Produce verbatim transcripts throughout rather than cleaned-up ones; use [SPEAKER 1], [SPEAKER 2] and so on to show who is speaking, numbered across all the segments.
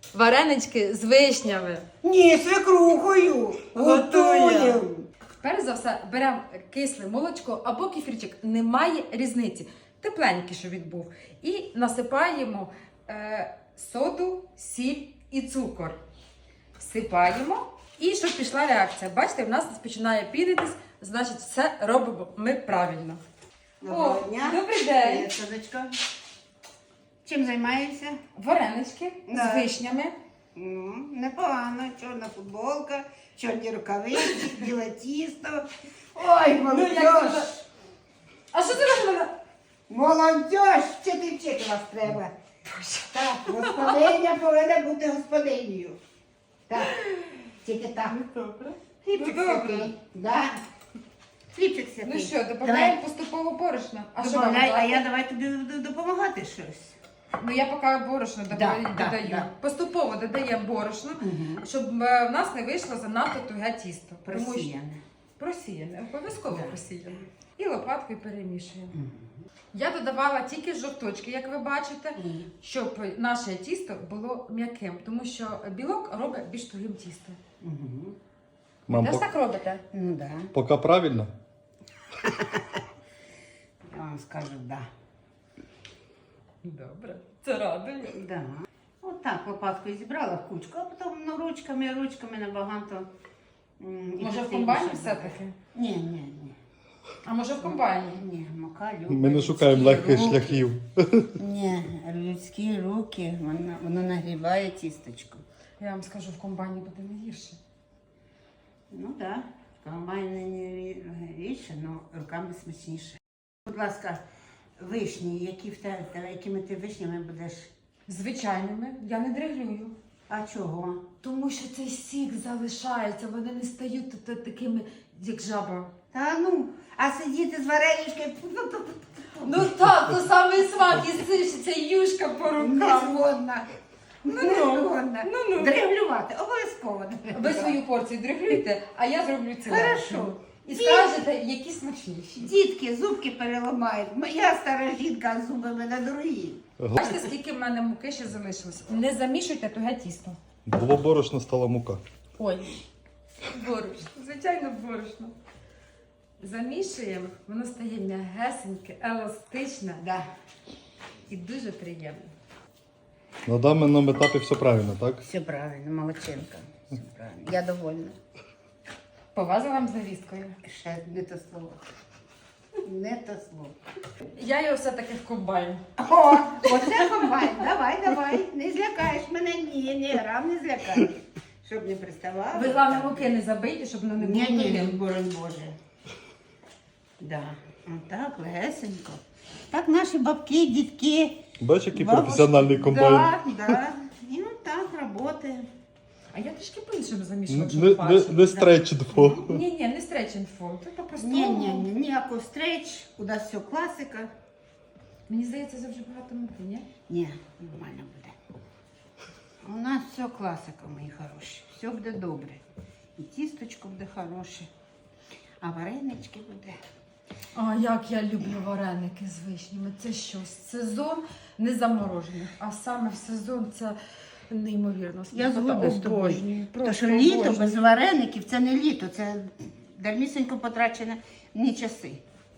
[SPEAKER 1] варенички з вишнями.
[SPEAKER 2] Ні, свекрухою. Готуємо.
[SPEAKER 1] Перш за все, беремо кисле молочко або кефірчик, немає різниці. Тепленький, що він був. І насипаємо е, соду, сіль і цукор. Всипаємо. І щоб пішла реакція. Бачите, в нас починає пінитись, значить все робимо ми правильно.
[SPEAKER 2] Доброго
[SPEAKER 1] О,
[SPEAKER 2] дня.
[SPEAKER 1] добрий день.
[SPEAKER 2] Привіт, Садочка. Чим займаєшся?
[SPEAKER 1] Варенички
[SPEAKER 2] Да.
[SPEAKER 1] з вишнями.
[SPEAKER 2] М, Непогано. Чорна футболка, чорні рукавиці, біле тісто. Ой, молодь.
[SPEAKER 1] А що це робила?
[SPEAKER 2] Молодь, ще ти вчити вас треба. Так, господиня повинна бути господинею. Так, тільки так.
[SPEAKER 1] Добре.
[SPEAKER 2] Хлібчик
[SPEAKER 1] Ну, добре.
[SPEAKER 2] святий. Да. Хлібчик святий.
[SPEAKER 1] Ну що, додаємо поступово борошно. А що вам
[SPEAKER 2] Добавляй, а
[SPEAKER 1] дати?
[SPEAKER 2] я давай тобі д- допомагати щось.
[SPEAKER 1] Ну я поки борошно додаю.
[SPEAKER 2] Да,
[SPEAKER 1] додаю.
[SPEAKER 2] да, да.
[SPEAKER 1] Поступово додаємо борошно,
[SPEAKER 2] Угу.
[SPEAKER 1] щоб е, в нас не вийшло занадто туге тісто. Тому що-
[SPEAKER 2] Просіяне.
[SPEAKER 1] Просіяне, обов'язково
[SPEAKER 2] Да.
[SPEAKER 1] просіяне. І лопаткою перемішуємо.
[SPEAKER 2] Мгм.
[SPEAKER 1] Я додавала тільки жовточки, як ви бачите,
[SPEAKER 2] Мгм.
[SPEAKER 1] щоб наше тісто було м'яким, тому що білок робить більш тугим тісто.
[SPEAKER 2] Мгм.
[SPEAKER 1] Ви
[SPEAKER 3] Мам,
[SPEAKER 1] теж
[SPEAKER 3] пок-
[SPEAKER 1] так робите?
[SPEAKER 2] Ну да.
[SPEAKER 3] поки правильно?
[SPEAKER 2] Я вам скажу, да.
[SPEAKER 1] Добре. Це радує.
[SPEAKER 2] Да. Отак лопаткою зібрала в кучку, а потім ну, ручками, ручками набагато. м, і
[SPEAKER 1] Може в
[SPEAKER 2] красивіше
[SPEAKER 1] комбайні
[SPEAKER 2] буде.
[SPEAKER 1] все-таки?
[SPEAKER 2] Ні, ні, ні.
[SPEAKER 1] А може в комбайні?
[SPEAKER 2] Ні, мука любить.
[SPEAKER 3] Ми не шукаємо легких
[SPEAKER 2] руки.
[SPEAKER 3] шляхів.
[SPEAKER 2] Ні, людські руки, воно, воно нагріває тісточку.
[SPEAKER 1] Я вам скажу, в комбайні буде не гірше.
[SPEAKER 2] Ну так, да. в комбайні не рідше, але руками смачніше. Будь ласка, вишні, які в те, те- якими ти вишнями будеш?
[SPEAKER 1] Звичайними, я не дриглюю.
[SPEAKER 2] А чого?
[SPEAKER 1] Тому що цей сік залишається, вони не стають та- та- такими, як жаба.
[SPEAKER 2] Та ну, а сидіти з вареничкою
[SPEAKER 1] Ну так, то самий смак і сишиться юшка по
[SPEAKER 2] не
[SPEAKER 1] рукам.
[SPEAKER 2] згодна.
[SPEAKER 1] Ну,
[SPEAKER 2] Не згодна.
[SPEAKER 1] ну, ну.
[SPEAKER 2] Дриглювати, обов'язково
[SPEAKER 1] Ви
[SPEAKER 2] дриглювати.
[SPEAKER 1] свою порцію дриглюйте, а я зроблю цілу.
[SPEAKER 2] Хорошо.
[SPEAKER 1] І скажете, які смачніші.
[SPEAKER 2] Дітки зубки переламають. Моя стара жінка, а зуби в мене дорогі.
[SPEAKER 1] Бачите, скільки в мене муки ще залишилось. Не замішуйте туге тісто.
[SPEAKER 3] Було борошно, стала мука.
[SPEAKER 1] Ой, борошно, звичайно, борошно. Замішуємо, воно стає м'ягесеньке, еластичне
[SPEAKER 2] Да.
[SPEAKER 1] і дуже приємне.
[SPEAKER 3] На даному етапі все правильно, так?
[SPEAKER 2] Все правильно, молодчинка. Все правильно. Я довольна.
[SPEAKER 1] Повазила вам завісткою.
[SPEAKER 2] Ще не то слово. Не то слово.
[SPEAKER 1] Я його все-таки в комбайн.
[SPEAKER 2] О, оце комбайн. Давай, давай. Не злякаєш мене. Ні, ні, грам не злякаєш. Щоб не приставала.
[SPEAKER 1] Ви, головне, муки не забийте, щоб воно не було
[SPEAKER 2] Ні, ні,
[SPEAKER 1] тугим.
[SPEAKER 2] боронь Боже. Да. Отак, легесенько. Так наші бабки, дітки.
[SPEAKER 3] Бачиш, який
[SPEAKER 2] бабушки.
[SPEAKER 3] професіональний комбайн.
[SPEAKER 2] Да, да. І ну так, роботи.
[SPEAKER 1] А я трішки по-іншому
[SPEAKER 3] Н-
[SPEAKER 1] замішувати,
[SPEAKER 3] Не,
[SPEAKER 1] щоб
[SPEAKER 3] не,
[SPEAKER 1] бачити.
[SPEAKER 3] не стрейчдфо.
[SPEAKER 1] Ні, ні, не стретчинг фон. Це по-простому.
[SPEAKER 2] Ні, ні, ні, ніякого стреч, у нас все класика.
[SPEAKER 1] Мені здається, це вже багато муки, ні?
[SPEAKER 2] Ні, нормально буде. У нас все класика, мої хороші. Все буде добре. І тісточко буде хороше, а варенички буде.
[SPEAKER 1] А як я люблю вареники з вишнями. Це щось. Сезон не заморожених, а саме в сезон це неймовірно.
[SPEAKER 2] Я
[SPEAKER 1] смакота.
[SPEAKER 2] згодна з тобою.
[SPEAKER 1] Обожнюю,
[SPEAKER 2] Тому
[SPEAKER 1] просто
[SPEAKER 2] що літо
[SPEAKER 1] обожнюю.
[SPEAKER 2] без вареників це не літо, це дармісенько потрачені часи.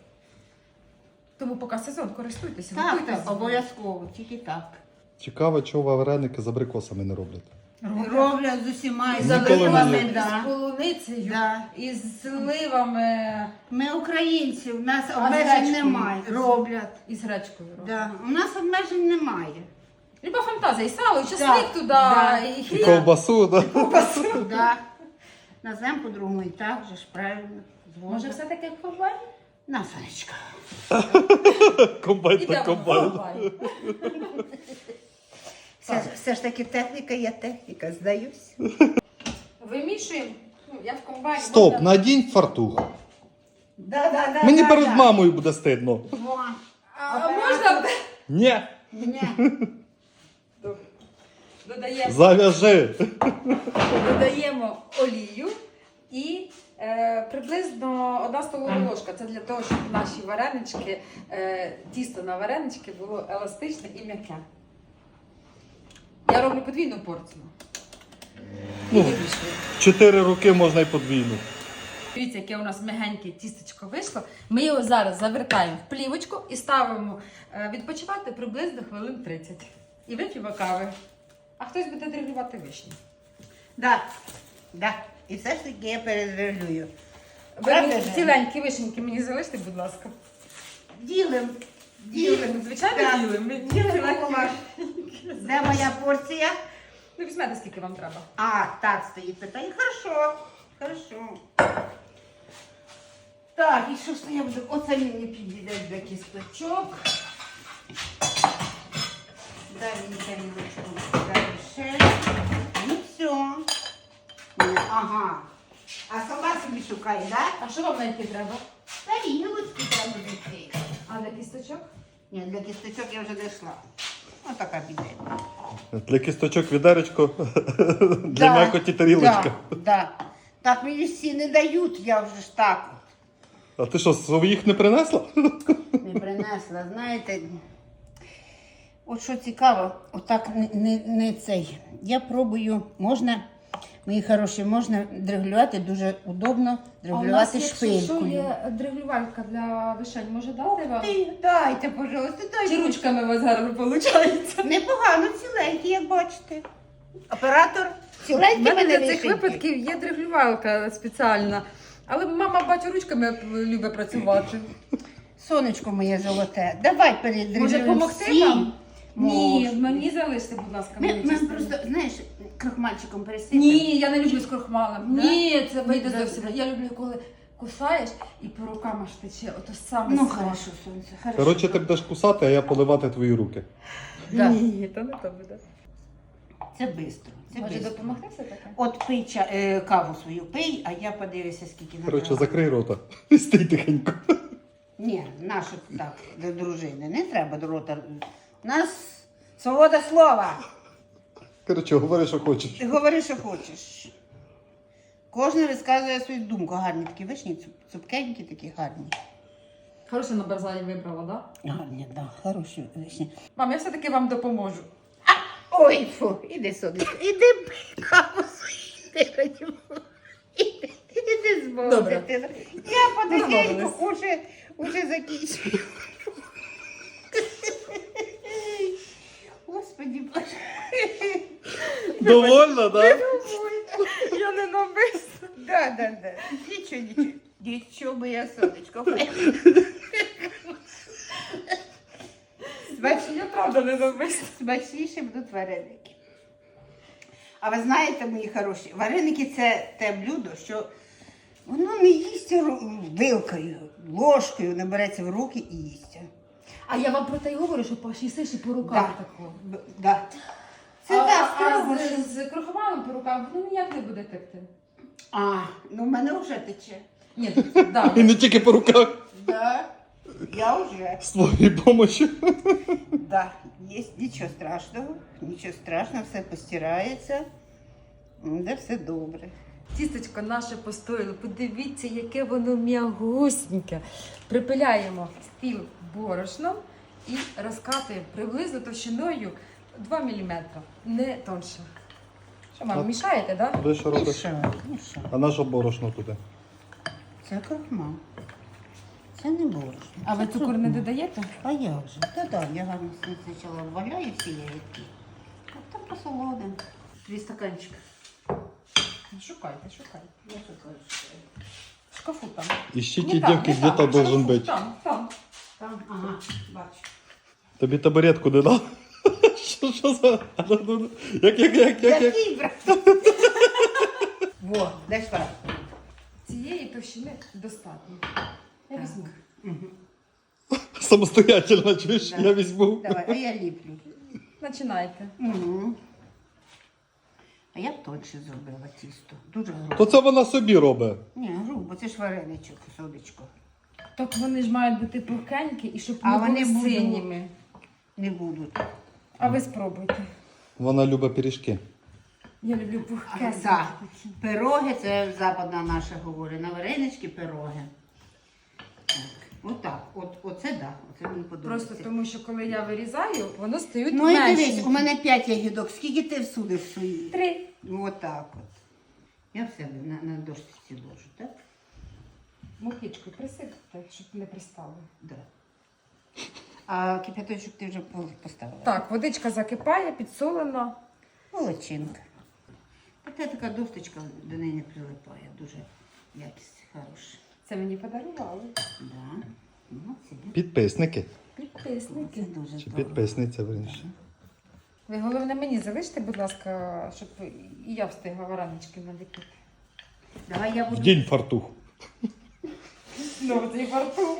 [SPEAKER 1] Тому поки сезон, користуйтеся,
[SPEAKER 2] Так,
[SPEAKER 1] готуйте
[SPEAKER 2] так, обов'язково, тільки так.
[SPEAKER 3] Цікаво, чого вареники з абрикосами не роблять.
[SPEAKER 2] Роблять з усіма і
[SPEAKER 1] З
[SPEAKER 3] Ніколи не
[SPEAKER 2] заливами,
[SPEAKER 3] їв.
[SPEAKER 1] з
[SPEAKER 2] да.
[SPEAKER 1] полуницею,
[SPEAKER 2] Да.
[SPEAKER 1] і з сливами,
[SPEAKER 2] Ми українці, у нас
[SPEAKER 1] А з
[SPEAKER 2] обмежень
[SPEAKER 1] гречкою?
[SPEAKER 2] немає. Роблять.
[SPEAKER 1] і з гречкою. роблять.
[SPEAKER 2] Да. У нас обмежень немає.
[SPEAKER 1] Люба фантазія, і сало, і чесник
[SPEAKER 2] Так,
[SPEAKER 1] туди,
[SPEAKER 2] да.
[SPEAKER 1] і
[SPEAKER 3] І
[SPEAKER 1] хліб.
[SPEAKER 3] ковбасу, да?
[SPEAKER 2] Да. Назвемо по-другому і так же ж правильно.
[SPEAKER 1] Може,
[SPEAKER 2] Згодна.
[SPEAKER 1] все-таки комбайн?
[SPEAKER 2] На, Сонечка.
[SPEAKER 3] Комбайн та
[SPEAKER 1] Ідемо в
[SPEAKER 3] комбайн.
[SPEAKER 1] комбайн.
[SPEAKER 2] Все, ж- все ж таки техніка є техніка, здаюсь.
[SPEAKER 1] Вимішуємо. Ну, я в комбайні.
[SPEAKER 3] Стоп,
[SPEAKER 1] можна-
[SPEAKER 3] надінь фартух.
[SPEAKER 2] Да, да, да,
[SPEAKER 3] Мені
[SPEAKER 2] да,
[SPEAKER 3] перед
[SPEAKER 2] да.
[SPEAKER 3] мамою буде стидно.
[SPEAKER 2] Во.
[SPEAKER 1] А можна
[SPEAKER 3] Ні,
[SPEAKER 2] Ні.
[SPEAKER 1] додаємо,
[SPEAKER 3] зав'яжи.
[SPEAKER 1] додаємо олію і е, приблизно одна столова ложка. Це для того, щоб наші варенички, е, тісто на варенички було еластичне і м'яке. Я роблю подвійну порцію. І
[SPEAKER 3] Ну.
[SPEAKER 1] вирішую.
[SPEAKER 3] Чотири роки можна й подвійну.
[SPEAKER 1] Дивіться, яке у нас м'ягеньке тістечко вийшло. Ми його зараз завертаємо в плівочку і ставимо е, відпочивати приблизно хвилин тридцять. І вип'ємо кави. А хтось буде дрігувати вишні.
[SPEAKER 2] Да, да. І все ж таки я перезрегулюю.
[SPEAKER 1] Ви
[SPEAKER 2] Правда
[SPEAKER 1] мені
[SPEAKER 2] ж?
[SPEAKER 1] ціленькі вишеньки мені залиште, будь ласка.
[SPEAKER 2] Ділим.
[SPEAKER 1] Ділимо, звичайно,
[SPEAKER 2] Так.
[SPEAKER 1] ділимо. Ми
[SPEAKER 2] Ділимо
[SPEAKER 1] ціленькі
[SPEAKER 2] ваш.
[SPEAKER 1] вишеньки.
[SPEAKER 2] Де моя порція?
[SPEAKER 1] Ну, візьмете, скільки вам треба.
[SPEAKER 2] А, так стоїть питання. Хорошо. Хорошо. Так, і що ж то я буду? Оце мені підійде для кісточок. Далі тарілочку. Далі ще. Ну все. Ага. А сама собі шукає, так? Да?
[SPEAKER 1] А що вам знайти треба?
[SPEAKER 2] Тарілочку треба знайти.
[SPEAKER 1] А для кісточок?
[SPEAKER 2] Ні, для кісточок я вже дійшла. Ось така піде.
[SPEAKER 3] Для кісточок відеречко, для м'якоті тарілочка.
[SPEAKER 2] Да, да. Так мені всі не дають, я вже ж так
[SPEAKER 3] А ти що, своїх не принесла?
[SPEAKER 2] не принесла. Знаєте, от що цікаво, отак не, не, не цей. Я пробую, можна, мої хороші, можна дрегулювати, дуже удобно дрегулювати шпилькою.
[SPEAKER 1] є дриглювалька для вишень, може дати вам?
[SPEAKER 2] Ти, дайте, пожалуйста, дайте.
[SPEAKER 1] Чи ручками у вас гарно виходить?
[SPEAKER 2] Непогано, ціленькі, як бачите. Оператор
[SPEAKER 1] У
[SPEAKER 2] ціленькі
[SPEAKER 1] мене
[SPEAKER 2] мене
[SPEAKER 1] для цих
[SPEAKER 2] вишеньки.
[SPEAKER 1] випадків є дриглювалька спеціальна. Але мама, бачу, ручками любить працювати.
[SPEAKER 2] Сонечко моє золоте, давай передрегулюємо
[SPEAKER 1] Може, допомогти
[SPEAKER 2] всі.
[SPEAKER 1] вам? Ні,
[SPEAKER 2] Можна.
[SPEAKER 1] мені залиште, будь ласка.
[SPEAKER 2] Ми,
[SPEAKER 1] мені
[SPEAKER 2] ми
[SPEAKER 1] частину.
[SPEAKER 2] просто, знаєш, крохмальчиком пересипемо.
[SPEAKER 1] Ні, я не люблю з крохмалем.
[SPEAKER 2] Да?
[SPEAKER 1] Ні, це вийде
[SPEAKER 2] Да.
[SPEAKER 1] зовсім. Я люблю, коли кусаєш і по рукам аж тече. Ото саме
[SPEAKER 2] Ну,
[SPEAKER 1] смак.
[SPEAKER 2] хорошо, сонце, хорошо.
[SPEAKER 3] Коротше, ти будеш кусати, а я поливати твої руки.
[SPEAKER 2] Да.
[SPEAKER 1] Ні, то не то буде.
[SPEAKER 2] Це швидко. Це
[SPEAKER 1] Може
[SPEAKER 2] бистро.
[SPEAKER 1] допомогти все таке?
[SPEAKER 2] От пий ча, е, каву свою пий, а я подивлюся, скільки на
[SPEAKER 3] Коротше,
[SPEAKER 2] каву.
[SPEAKER 3] закрий рота і стій тихенько.
[SPEAKER 2] Ні, нашу так, до дружини. Не треба до рота. У нас свобода слова.
[SPEAKER 3] Коротше, говори, що хочеш.
[SPEAKER 2] Ти говори, що хочеш. Кожен розказує свою думку. Гарні такі вишні, цуп- цупкенькі такі гарні.
[SPEAKER 1] Хороше на Барзані вибрала, так? Да?
[SPEAKER 2] Гарні, так, да, хороші вишні.
[SPEAKER 1] Мам, я все-таки вам допоможу.
[SPEAKER 2] Ой, фу, іди сюди. Іди пий каву свою. Іди, раді Бога. Іди, іди з Богом,
[SPEAKER 1] Добре.
[SPEAKER 2] дитина. Я потихеньку
[SPEAKER 1] Домовились.
[SPEAKER 2] уже, уже закінчую. Господи Боже.
[SPEAKER 3] Довольно, так?
[SPEAKER 1] Я не навмисно.
[SPEAKER 2] Да, да, да. Нічого, нічого. Нічого, моя сонечко. Смач...
[SPEAKER 1] Я правда не навмисно.
[SPEAKER 2] Смачніше будуть вареники. А ви знаєте, мої хороші, вареники це те блюдо, що воно не їсть ру- вилкою, ложкою, набереться в руки і їсть.
[SPEAKER 1] А я вам про те й говорю, що пошісиш і по рукам
[SPEAKER 2] Да.
[SPEAKER 1] такого.
[SPEAKER 2] Б- Да. Це
[SPEAKER 1] а,
[SPEAKER 2] так,
[SPEAKER 1] а,
[SPEAKER 2] справа.
[SPEAKER 1] з, з крохмалем по рукам ну ніяк не буде текти.
[SPEAKER 2] А, ну в мене вже тече.
[SPEAKER 1] Ні, да.
[SPEAKER 3] І не тільки по руках.
[SPEAKER 2] Да. Я вже.
[SPEAKER 3] З твоєї допомоги.
[SPEAKER 2] Да, є нічого страшного, нічого страшного, все постирається, де все добре.
[SPEAKER 1] Тістечко наше постояло. Подивіться, яке воно м'ягусіньке. Припиляємо стіл борошном і розкатуємо приблизно товщиною два міліметри, не тонше. Що, мам,
[SPEAKER 3] От.
[SPEAKER 1] мішаєте, так? Да?
[SPEAKER 3] Ти що робиш?
[SPEAKER 2] Мішаю, мішаю.
[SPEAKER 3] А наше борошно туди?
[SPEAKER 2] Це крохмал. Це не борошно.
[SPEAKER 1] А ви
[SPEAKER 2] Це
[SPEAKER 1] цукор не
[SPEAKER 2] крохмал.
[SPEAKER 1] додаєте?
[SPEAKER 2] А я вже. Та да, я гарно спочатку вваляю всі ягідки. А потім посолодим. Три стаканчика.
[SPEAKER 1] Шукайте, шукайте.
[SPEAKER 2] Я шукаю, шукаю.
[SPEAKER 1] В шкафу там.
[SPEAKER 3] Ищите
[SPEAKER 1] Не там,
[SPEAKER 3] девки,
[SPEAKER 1] не
[SPEAKER 3] где-то
[SPEAKER 1] там, в
[SPEAKER 3] должен
[SPEAKER 1] шкафу,
[SPEAKER 3] быть.
[SPEAKER 1] Там, там.
[SPEAKER 2] Там, ага, бачу.
[SPEAKER 3] Тобі табуретку не дав? Що, що за? Як, як, як, як, як?
[SPEAKER 2] Який брат? Во, де шла?
[SPEAKER 1] Цієї товщини достатньо. Я
[SPEAKER 2] Так.
[SPEAKER 1] візьму.
[SPEAKER 3] Самостоятельно, чуєш?
[SPEAKER 2] Да.
[SPEAKER 3] Я візьму.
[SPEAKER 2] Давай, а я ліплю.
[SPEAKER 1] Починайте.
[SPEAKER 2] Угу. А я б тонше зробила тісто. Дуже грубо.
[SPEAKER 3] То це вона собі робить.
[SPEAKER 2] Ні, грубо, це ж вареничок, сонечко.
[SPEAKER 1] Так вони ж мають бути пухенькі і щоб
[SPEAKER 2] А
[SPEAKER 1] не
[SPEAKER 2] вони
[SPEAKER 1] були
[SPEAKER 2] будуть.
[SPEAKER 1] синіми.
[SPEAKER 2] Не будуть.
[SPEAKER 1] А ви спробуйте.
[SPEAKER 3] Вона любить пиріжки.
[SPEAKER 1] Я люблю пухке.
[SPEAKER 2] Так, пироги, це западна наша говорить. На варенички пироги. Так. Отак. От, оце да. Оце мені подобається.
[SPEAKER 1] Просто тому, що коли я вирізаю, воно стають
[SPEAKER 2] Ну і
[SPEAKER 1] менші.
[SPEAKER 2] дивись, у мене п'ять ягідок. Скільки ти всудиш свої?
[SPEAKER 1] Три.
[SPEAKER 2] Отак от. Я в себе на, на дошці ложу, так?
[SPEAKER 1] Мукичкою присипте, щоб не пристало.
[SPEAKER 2] Да. А кипяточок ти вже поставила?
[SPEAKER 1] Так, водичка закипає, підсолена.
[SPEAKER 2] Молодчинка. Та така досточка до неї не прилипає. Дуже якість хороша.
[SPEAKER 1] Це мені подарували.
[SPEAKER 2] Да. Ну, це,
[SPEAKER 3] Підписники.
[SPEAKER 2] це
[SPEAKER 1] Підписники.
[SPEAKER 2] дуже
[SPEAKER 3] Чи
[SPEAKER 2] здорово.
[SPEAKER 3] підписниця вирішила.
[SPEAKER 1] Ви головне мені залиште, будь ласка, щоб і я встигла варенички наліпити.
[SPEAKER 2] Давай я
[SPEAKER 3] В
[SPEAKER 2] буду.
[SPEAKER 3] день фартух.
[SPEAKER 1] Знову цей фартух.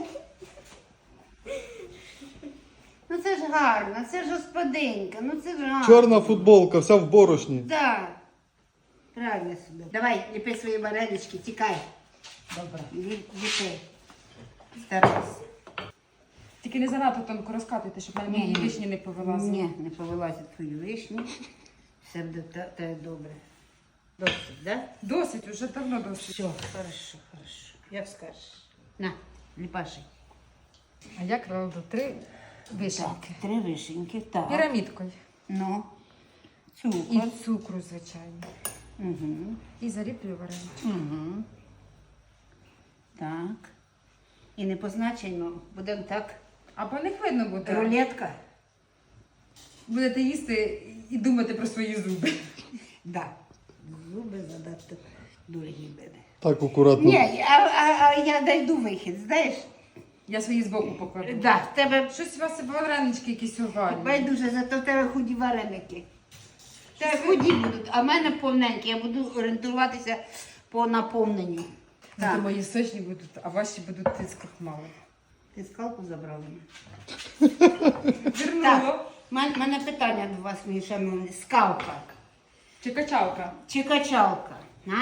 [SPEAKER 2] Ну це ж гарно, це ж господинка, ну це ж гарно.
[SPEAKER 3] Чорна футболка, вся в борошні.
[SPEAKER 2] Да. Правильно собі. Давай, ліпи свої варенички, тікай.
[SPEAKER 1] Добре.
[SPEAKER 2] Лі- Ліпи. Старайся.
[SPEAKER 1] Тільки не занадто тонко розкатуйте, щоб мене мої
[SPEAKER 2] Ні, ні.
[SPEAKER 1] вишні не повилазили.
[SPEAKER 2] Ні, не повилазять твої вишні. Все буде та- та добре. Досить, да?
[SPEAKER 1] Досить, уже давно досить.
[SPEAKER 2] Все, хорошо, хорошо. Як скажеш. На, ліпаши.
[SPEAKER 1] А я кладу три вишеньки.
[SPEAKER 2] Так, три вишеньки, так.
[SPEAKER 1] Пірамідкою.
[SPEAKER 2] Ну,
[SPEAKER 1] І
[SPEAKER 2] цукор.
[SPEAKER 1] цукру, звичайно.
[SPEAKER 2] Угу.
[SPEAKER 1] І заліплю варенички.
[SPEAKER 2] Угу. Так. І не позначено, будемо так.
[SPEAKER 1] А по них видно буде.
[SPEAKER 2] Рулетка.
[SPEAKER 1] Будете їсти і думати про свої зуби.
[SPEAKER 2] Да. Зуби задати дорогі мене.
[SPEAKER 3] Так акуратно.
[SPEAKER 2] Ні, а, а, а я дойду вихід, знаєш?
[SPEAKER 1] Я свої збоку покладу.
[SPEAKER 2] Да, в тебе
[SPEAKER 1] Щось у вас варенички якісь овальні.
[SPEAKER 2] байдуже, зато в тебе худі вареники. В тебе худі будуть, а в мене повненькі. Я буду орієнтуватися по наповненню.
[SPEAKER 1] Зато
[SPEAKER 2] Так.
[SPEAKER 1] мої сочні будуть, а ваші будуть з крахмалу.
[SPEAKER 2] Ти скалку забрала?
[SPEAKER 1] Вернула.
[SPEAKER 2] У мене, мене питання до вас, мої шановні. Скалка
[SPEAKER 1] Чи качалка?
[SPEAKER 2] чи качалка? А,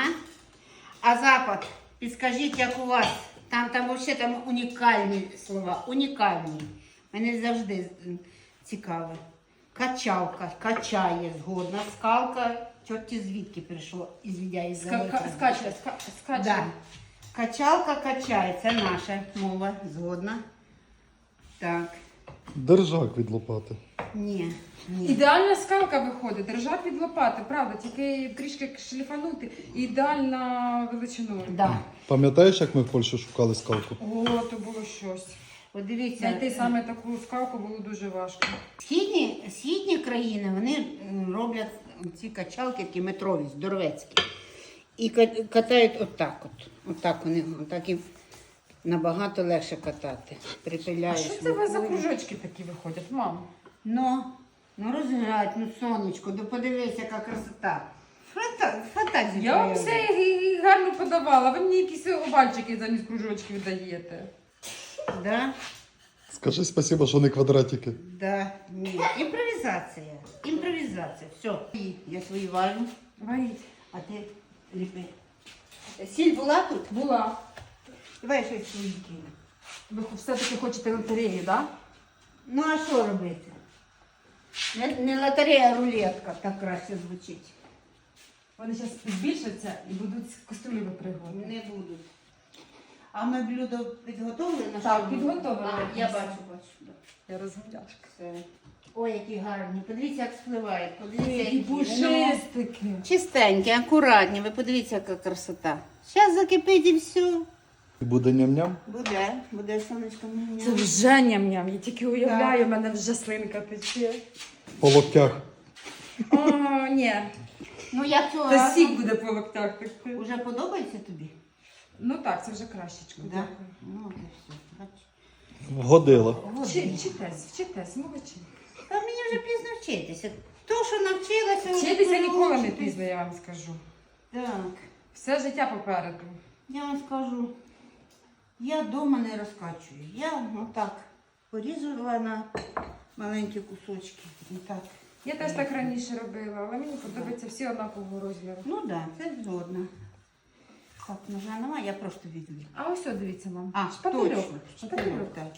[SPEAKER 2] а запад, підскажіть, як у вас? Там, там взагалі там унікальні слова, унікальні. Мене завжди м, цікаво. Качалка, качає згодна. Скалка, чорті звідки прийшло, ізвідя із
[SPEAKER 1] Ска- Скаче, ска- скаче.
[SPEAKER 2] Да. Качалка качає, це наша мова, згодна. Так.
[SPEAKER 3] Держак від лопати.
[SPEAKER 2] Ні, ні.
[SPEAKER 1] Ідеальна скалка виходить, держак від лопати, правда, тільки трішки шліфанути. І ідеальна величиною.
[SPEAKER 2] Да.
[SPEAKER 3] Пам'ятаєш, як ми в Польщі шукали скалку?
[SPEAKER 1] О, то було щось.
[SPEAKER 2] От дивіться,
[SPEAKER 1] Знайти саме таку скалку було дуже важко.
[SPEAKER 2] східні, східні країни вони м, роблять ці качалки, такі метрові, здоровецькі. І ка- катають отак от. Отак вони, отак їм набагато легше катати.
[SPEAKER 1] А
[SPEAKER 2] Припиляєш.
[SPEAKER 1] що це у вас за
[SPEAKER 2] рукою.
[SPEAKER 1] кружочки такі виходять, мам?
[SPEAKER 2] Ну, ну розглядь, ну сонечко, ну подивись, яка красота. Фата, фантазію.
[SPEAKER 1] Я вам
[SPEAKER 2] прояви.
[SPEAKER 1] все і- і гарно подавала, ви мені якісь овальчики замість кружочків даєте.
[SPEAKER 2] Да?
[SPEAKER 3] Скажи спасибо, що не квадратики.
[SPEAKER 2] Да, ні. Імпровізація. Імпровізація. Все. І Я свої важу,
[SPEAKER 1] Варіть.
[SPEAKER 2] а ти ліпи. Сіль була тут?
[SPEAKER 1] Була.
[SPEAKER 2] Давай щось свої кинь.
[SPEAKER 1] Ви все-таки хочете лотереї, так? Да?
[SPEAKER 2] Ну а що робити? Не, не лотерея, а рулетка так краще звучить.
[SPEAKER 1] Вони зараз збільшаться і будуть каструлі випригувати.
[SPEAKER 2] Не будуть. А ми блюдо підготовили на
[SPEAKER 1] Так,
[SPEAKER 2] що ми-
[SPEAKER 1] підготовили.
[SPEAKER 2] А, я бачу, бачу. Да.
[SPEAKER 1] Я розгадяшка.
[SPEAKER 2] Все. Ой, які гарні. Подивіться, як спливають. Подивіться,
[SPEAKER 1] Які
[SPEAKER 2] які
[SPEAKER 1] пушистики.
[SPEAKER 2] Ну, чистенькі, акуратні. Ви подивіться, яка красота. Зараз закипить і все.
[SPEAKER 3] І буде ням-ням.
[SPEAKER 2] Буде, буде сонечко. Ням-ням.
[SPEAKER 1] Це вже ням-ням. Я тільки уявляю, в мене вже слинка тече.
[SPEAKER 3] По локтях.
[SPEAKER 1] О, ні.
[SPEAKER 2] Ну як цього
[SPEAKER 1] Та
[SPEAKER 2] разу?
[SPEAKER 1] сік буде по локтях текти.
[SPEAKER 2] Уже подобається тобі?
[SPEAKER 1] Ну так, це вже кращечко.
[SPEAKER 2] Да.
[SPEAKER 1] Дякую.
[SPEAKER 2] Ну, от і все. Бачиш.
[SPEAKER 3] Вгодила.
[SPEAKER 1] Вчи- Вчитесь, вчитесь, молодці.
[SPEAKER 2] Та мені вже пізно вчитися. То, що навчилася... вже
[SPEAKER 1] Вчитися
[SPEAKER 2] треба
[SPEAKER 1] ніколи не
[SPEAKER 2] вчитись.
[SPEAKER 1] пізно, я вам скажу.
[SPEAKER 2] Так,
[SPEAKER 1] Все життя попереду.
[SPEAKER 2] я вам скажу, я вдома не розкачую. Я отак порізала на маленькі кусочки. Отак.
[SPEAKER 1] Я теж так раніше робила, але мені подобається всі однакового розміру.
[SPEAKER 2] Ну так, да, це згодна. Так, ножа немає, я просто візьму.
[SPEAKER 1] А ось от дивіться вам.
[SPEAKER 2] А,
[SPEAKER 1] шпательок.
[SPEAKER 2] точно.
[SPEAKER 1] Шпательок.
[SPEAKER 2] Так.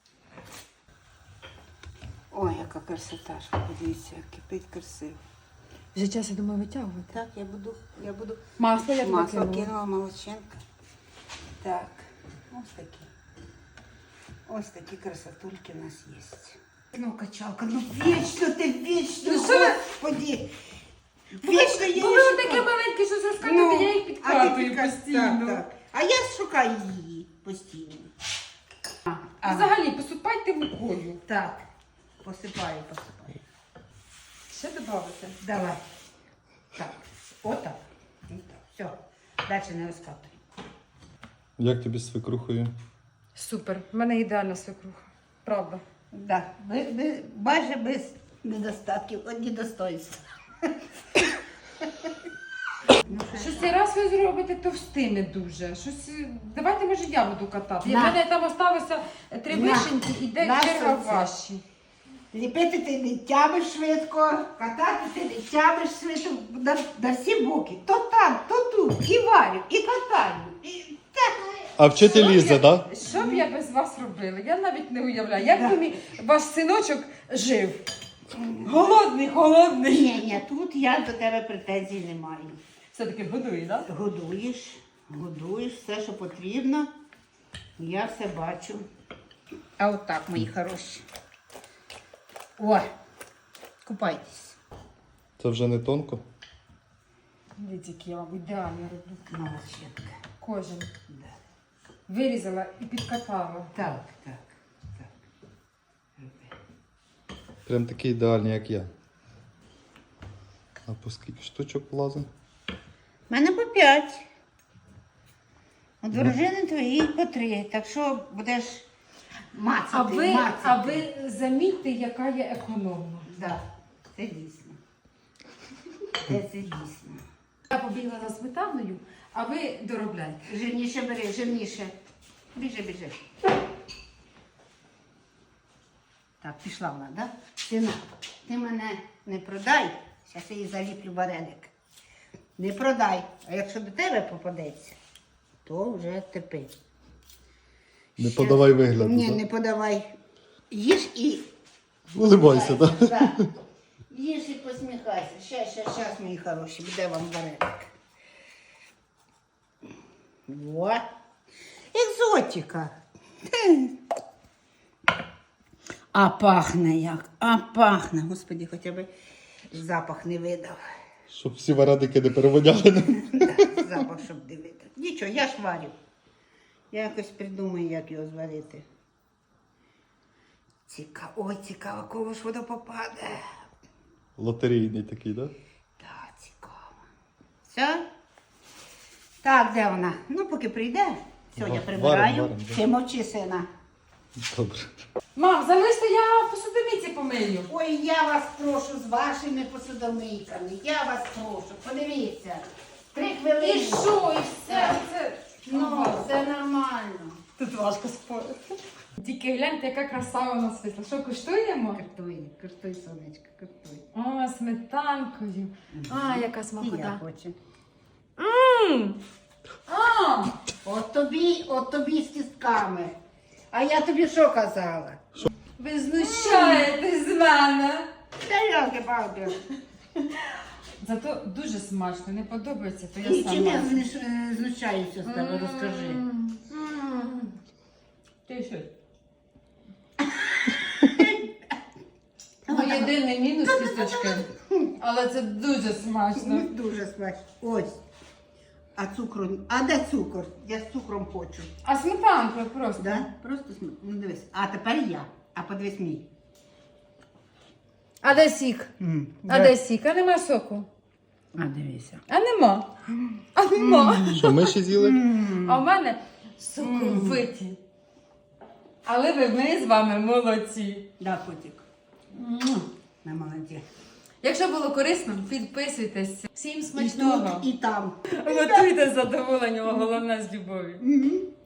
[SPEAKER 2] Ой, яка красота, ж, подивіться, як кипить красиво.
[SPEAKER 1] Вже час, я думаю, витягувати.
[SPEAKER 2] Так, я буду, я буду
[SPEAKER 1] Масло я
[SPEAKER 2] масло
[SPEAKER 1] кинула.
[SPEAKER 2] кинула, молодчинка. Так, ось такі. Ось такі красотульки у нас є. Ну, качалка, ну вічно ти, вічно,
[SPEAKER 1] Ну, що ви?
[SPEAKER 2] господи. Вічно я
[SPEAKER 1] Бо
[SPEAKER 2] її
[SPEAKER 1] ви таке
[SPEAKER 2] шукаю.
[SPEAKER 1] маленьке, що заскакати, я їх
[SPEAKER 2] а ти
[SPEAKER 1] підкатую
[SPEAKER 2] підкат-
[SPEAKER 1] постійно.
[SPEAKER 2] Так, так. А я шукаю її постійно. А, а,
[SPEAKER 1] Взагалі, посипайте мукою.
[SPEAKER 2] так, посипаю, посипаю.
[SPEAKER 1] Ще додати.
[SPEAKER 2] Давай. Так, отак. Отак. Все, далі не розкатуй.
[SPEAKER 3] Як тобі з свекрухою?
[SPEAKER 1] Супер, в мене ідеальна свекруха. Правда.
[SPEAKER 2] Да, без, без, майже без недостатків, одні достоинства. Ну,
[SPEAKER 1] Щось цей раз ви зробите товстими дуже. Щось... е, Давайте, може, я буду катати. У
[SPEAKER 2] На.
[SPEAKER 1] мене там осталося три
[SPEAKER 2] На.
[SPEAKER 1] вишеньки, іде
[SPEAKER 2] На
[SPEAKER 1] черга
[SPEAKER 2] сонце.
[SPEAKER 1] ваші.
[SPEAKER 2] Ліпити ти не тямиш швидко, катати ти не тямиш швидко, на, на всі боки. То там, то тут, і варю, і катаю. І... Так.
[SPEAKER 3] А вчитель
[SPEAKER 1] Що
[SPEAKER 3] Ліза,
[SPEAKER 1] я-
[SPEAKER 3] так?
[SPEAKER 1] Що б я без вас робила? Я навіть не уявляю. Як
[SPEAKER 2] Да.
[SPEAKER 1] би мій ваш синочок жив? Голодний, голодний.
[SPEAKER 2] Ні, ні, тут я до тебе претензій не маю.
[SPEAKER 1] Все-таки годує, так? Да?
[SPEAKER 2] Годуєш, годуєш все, що потрібно. Я все бачу. А отак, мої хороші. О, купайтесь.
[SPEAKER 3] Це вже не тонко.
[SPEAKER 1] Дивіться, які я вам ідеально роблю.
[SPEAKER 2] Молодчинка.
[SPEAKER 1] Кожен.
[SPEAKER 2] Да.
[SPEAKER 1] Вирізала і підкатала.
[SPEAKER 2] Так, так, так. Роби.
[SPEAKER 3] Прям такий ідеальний, як я. А по скільки штучок влазить?
[SPEAKER 2] У мене по п'ять. У дружини твоїй по три. Так що будеш мацати,
[SPEAKER 1] А ви,
[SPEAKER 2] мацати.
[SPEAKER 1] а ви замітьте, яка я економна.
[SPEAKER 2] Да, це дійсно. Це, це дійсно.
[SPEAKER 1] Я побігла за сметаною, а ви доробляйте.
[SPEAKER 2] Жирніше бери, жирніше. Біжи, біжи. Так, пішла вона, да? Сина, ти мене не продай, зараз я її заліплю вареник. Не продай. А якщо до тебе попадеться, то вже тепи.
[SPEAKER 3] Не
[SPEAKER 2] Щас.
[SPEAKER 3] подавай вигляду,
[SPEAKER 2] Ні,
[SPEAKER 3] так?
[SPEAKER 2] не подавай. Їж і...
[SPEAKER 3] Улибайся, так?
[SPEAKER 2] Да. Їж і посміхайся. Щас, щас, щас, мої хороші, буде вам вареник. Во. Екзотика. А пахне як, а пахне. Господи, хоча б запах не видав.
[SPEAKER 3] Щоб всі варадики не переводяли.
[SPEAKER 2] Да, запах, щоб не видав. Нічого, я ж варю. Я якось придумаю, як його зварити. Цікаво, ой, цікаво, кого ж воно попаде.
[SPEAKER 3] Лотерейний такий, так?
[SPEAKER 2] Так, цікаво. Все? Так, де вона? Ну, поки прийде. Все, я
[SPEAKER 3] Ва-
[SPEAKER 2] прибираю.
[SPEAKER 3] варим, варим, да.
[SPEAKER 2] Ти мовчи, сина.
[SPEAKER 3] Добре.
[SPEAKER 1] Мам, залиште, я посудомійці помию.
[SPEAKER 2] Ой, я вас прошу з вашими посудомийками. Я вас прошу. Подивіться. Три хвилини.
[SPEAKER 1] І що, і все, це...
[SPEAKER 2] Ну, це нормально.
[SPEAKER 1] Тут важко спорити. Тільки гляньте, яка краса у нас вийшла. Що, куштуємо?
[SPEAKER 2] Картуй, картуй, сонечко, картуй.
[SPEAKER 1] О, сметанкою. А, яка
[SPEAKER 2] І я
[SPEAKER 1] смакота.
[SPEAKER 2] хочу.
[SPEAKER 1] Мм! А!
[SPEAKER 2] От тобі, от тобі з кістками. А я тобі що казала?
[SPEAKER 1] Ви знущаєтесь з мене.
[SPEAKER 2] Та я палки.
[SPEAKER 1] Зато дуже смачно, не подобається, то я
[SPEAKER 2] І чим я
[SPEAKER 1] сама.
[SPEAKER 2] знущ- е, знущаюся з тебе, розкажи.
[SPEAKER 1] М, м. Ти що? Ну, єдиний мінус кісточки, але це дуже смачно.
[SPEAKER 2] Не дуже смачно. Ось. А цукру. А де цукор? Я з цукром хочу.
[SPEAKER 1] А сметанка просто.
[SPEAKER 2] Да? Просто см... Ну дивись. А тепер я. А подивись мій.
[SPEAKER 1] А де сік? А де сік? А нема соку?
[SPEAKER 2] А дивися.
[SPEAKER 1] А нема. А нема.
[SPEAKER 3] Що, ми ще з'їли?
[SPEAKER 1] А в мене соковиті. Але ви, ми з вами молодці.
[SPEAKER 2] Да, котик. На молоді.
[SPEAKER 1] Якщо було корисно, підписуйтесь. Всім
[SPEAKER 2] І
[SPEAKER 1] смачного.
[SPEAKER 2] тут, і там.
[SPEAKER 1] Готуйте з задоволенням, а головне з любов'ю.
[SPEAKER 2] Мгм.